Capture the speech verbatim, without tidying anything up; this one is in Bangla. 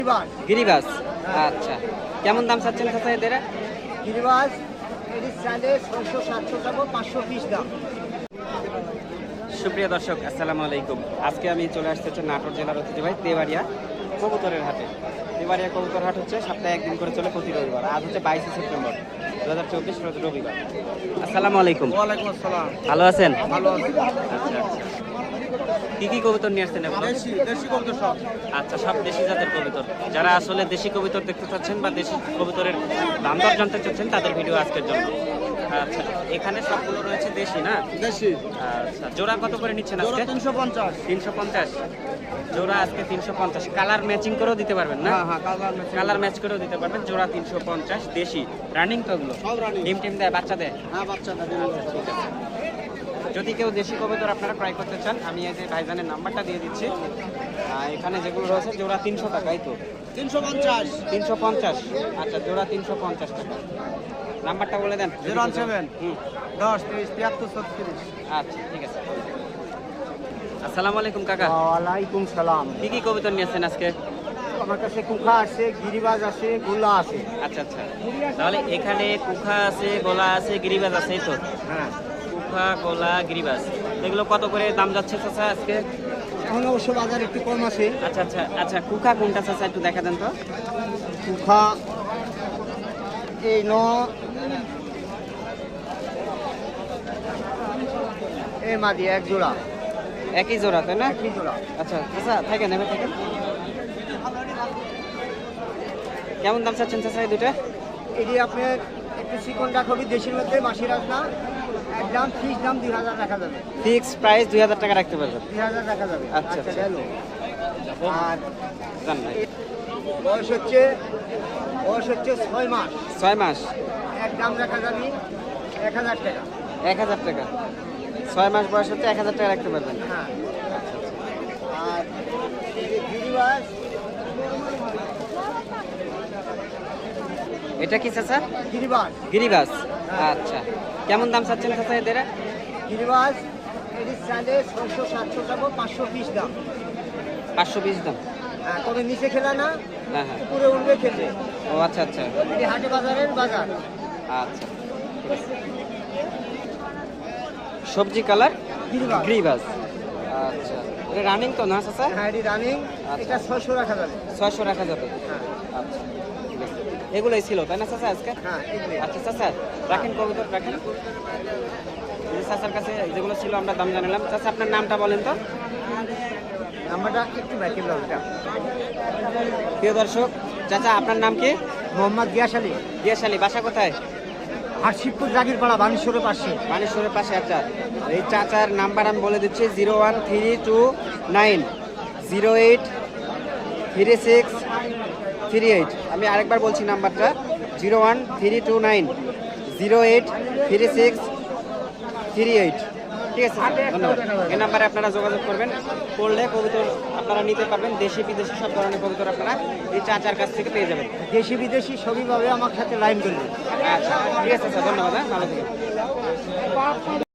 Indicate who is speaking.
Speaker 1: গিরিবাস। আচ্ছা, কেমন দাম চাচ্ছেন চাচা এদের?
Speaker 2: গিরিবাস এর চাইলে ছয়শো সাতশো টাকা পাঁচশো পিস দাম।
Speaker 1: সুপ্রিয় দর্শক, আসসালামু আলাইকুম। আজকে আমি চলে আসতে হচ্ছে নাটোর জেলার ঐতিহ্যবাহী তেবাড়িয়া কবুতরের হাটে। তেবাড়িয়া কবুতর হাট হচ্ছে সপ্তাহে একদিন করে চলে প্রতি রবিবার। আজ হচ্ছে বাইশে সেপ্টেম্বর দু হাজার চব্বিশ রোজ রবিবার। আসসালামু আলাইকুম।
Speaker 2: ওয়ালাইকুম আসসালাম।
Speaker 1: ভালো আছেন?
Speaker 2: ভালো আছি।
Speaker 1: আচ্ছা আচ্ছা, কি কি কবুতর নিয়ে আসছেন এখন?
Speaker 2: দেশি দেশি কবুতর সব।
Speaker 1: আচ্ছা, সব দেশি জাতের কবুতর। যারা আসলে দেশি কবুতর দেখতে চাচ্ছেন বা দেশি কবুতরের দাম দর জানতে চাচ্ছেন তাদের ভিডিও আজকের জন্য। আচ্ছা, এখানে সবগুলো রয়েছে দেশি না?
Speaker 2: দেশি।
Speaker 1: আচ্ছা, জোড়া কত করে নিচ্ছেন
Speaker 2: জোড়া
Speaker 1: আজকে?
Speaker 2: তিনশো পঞ্চাশ।
Speaker 1: তিনশো পঞ্চাশ জোড়া আজকে তিনশো পঞ্চাশ। কালার ম্যাচিং করেও দিতে পারবেন না?
Speaker 2: হ্যাঁ হ্যাঁ, কালার ম্যাচিং।
Speaker 1: কালার ম্যাচ করেও দিতে পারবেন। জোড়া তিনশো পঞ্চাশ, দেশি রানিং তো ওগুলো?
Speaker 2: সব রানিং।
Speaker 1: ডিম টিম দেয়, বাচ্চা দেয়?
Speaker 2: হ্যাঁ, বাচ্চা দেবে।
Speaker 1: আচ্ছা, ঠিক আছে। যদি কেউ দেশি কবুতর আপনারা ক্রয় করতে চান, আমি এই যে ভাইজানের নাম্বারটা দিয়ে দিচ্ছি। আহ, এখানে যেগুলো রয়েছে জোড়া তিনশো টাকাই তো?
Speaker 2: তিনশো পঞ্চাশ।
Speaker 1: তিনশো পঞ্চাশ। আচ্ছা, জোড়া তিনশো পঞ্চাশ টাকা। নাম্বারটা বলে দেন।
Speaker 2: জিরো ওয়ান সেভেন
Speaker 1: হুম,
Speaker 2: দশ তিরিশ তিয়াত্তর ছত্রিশ।
Speaker 1: আচ্ছা ঠিক আছে। আসসালামু আলাইকুম কাকা।
Speaker 2: ওয়ালাইকুম সালাম।
Speaker 1: কি কি কবুতর নিয়েছেন আজকে?
Speaker 2: আমার কাছে কুখা আছে, গিরিবাজ আছে, গোল্লা আছে।
Speaker 1: আচ্ছা আচ্ছা, তাহলে এখানে কুখা আছে, গোলা আছে, গিরিবাজ আছে, এই তো?
Speaker 2: হ্যাঁ,
Speaker 1: কুখা, গোলা, গিরিবাজ, এগুলো কত করে দাম যাচ্ছে চাচা আজকে?
Speaker 2: এখন অবশ্য বাজার একটু কম আছে।
Speaker 1: আচ্ছা আচ্ছা আচ্ছা, কুখা কোনটা চাচা একটু দেখা দেন তো?
Speaker 2: কুখা এই ন এ মাদি এক জোড়া।
Speaker 1: একই জোড়া তাই না?
Speaker 2: একই জোড়া।
Speaker 1: আচ্ছা চাচা, থাকেন এবার থাকেন। কেমন দাম চাচ্ছেন চাচা এই দুটা?
Speaker 2: এটি আপনার একটু চিকন রাখবি, দেশের মধ্যে মাসি রাখনা। একদম ফিক্স দাম দুই হাজার রাখা যাবে।
Speaker 1: ফিক্স প্রাইস দুই হাজার টাকা রাখতে পারবেন?
Speaker 2: দুই হাজার রাখা যাবে।
Speaker 1: আচ্ছা, আচ্ছা।
Speaker 2: গেল। আর
Speaker 1: জান ভাই,
Speaker 2: বয়স হচ্ছে বয়স হচ্ছে ছয় মাস।
Speaker 1: ছয় মাস,
Speaker 2: এক দাম রাখা যাবে এক হাজার টাকা।
Speaker 1: এক হাজার টাকা। ছয় মাস বয়স হচ্ছে এক হাজার টাকা রাখতে পারবেন?
Speaker 2: হ্যাঁ।
Speaker 1: আচ্ছা আচ্ছা।
Speaker 2: আর এই যে গিরিবাজ,
Speaker 1: এটা কি চাচা?
Speaker 2: গিরিবাজ
Speaker 1: গিরিবাস। আচ্ছা, কেমন দাম চাচ্ছেন চাচা এদের?
Speaker 2: গিরিবাজ এটি চাইলে ছয়শো সাতশো টাকা পাঁচশো পিস দাম।
Speaker 1: পাঁচশো বিশ দাম?
Speaker 2: হ্যাঁ, তবে নিচে খেলা না,
Speaker 1: হ্যাঁ হ্যাঁ।
Speaker 2: উপরে উঠবে খেতে।
Speaker 1: ও আচ্ছা আচ্ছা
Speaker 2: এটি হাটে বাজারের বাজার।
Speaker 1: আচ্ছা, ঠিক আছে। সবজি কালার
Speaker 2: গিরিবাজ।
Speaker 1: গ্রিবাস। আচ্ছা, এটা রানিং তো না চাচা?
Speaker 2: হ্যাঁ, এটি রানিং।
Speaker 1: আচ্ছা।
Speaker 2: এটা ছয়শো রাখা যাবে।
Speaker 1: ছয়শো রাখা যাবে?
Speaker 2: হ্যাঁ
Speaker 1: আচ্ছা, ঠিক আছে। এগুলোই ছিল তাই না চাচা আজকে?
Speaker 2: হ্যাঁ, এগুলি।
Speaker 1: আচ্ছা চাচা, রাখেন কবুতর রাখেন। এই যে চাচার কাছে যেগুলো ছিল আমরা দাম জানালাম। চাচা আপনার নামটা বলেন তো?
Speaker 2: নাম্বারটা একটু ব্যাকে লাগবে।
Speaker 1: প্রিয় দর্শক, চাচা আপনার নাম কি?
Speaker 2: মোহাম্মদ গিয়াস আলী,
Speaker 1: দিয়াশালী। বাসা কোথায়?
Speaker 2: হাটশিবপুর জাগিরপাড়া, বানেশ্বরের পাশে।
Speaker 1: মানেশ্বরের পাশে। আচ্ছা, এই চাচার নাম্বার আমি বলে দিচ্ছি, zero one three two nine zero eight three six three eight. আমি আরেকবার বলছি নাম্বারটা, zero one three two nine zero eight three six three eight. ঠিক আছে, ধন্যবাদ। এই নাম্বারে আপনারা যোগাযোগ করবেন, করলে কবুতর আপনারা নিতে পারবেন। দেশি বিদেশি সব ধরনের কবুতর আপনারা এই চাচার কাছ থেকে পেয়ে যাবেন।
Speaker 2: দেশি বিদেশি সবইভাবে আমার সাথে লাইন করবে।
Speaker 1: আচ্ছা ঠিক আছে স্যার, ধন্যবাদ। হ্যাঁ, ভালো থাকবেন।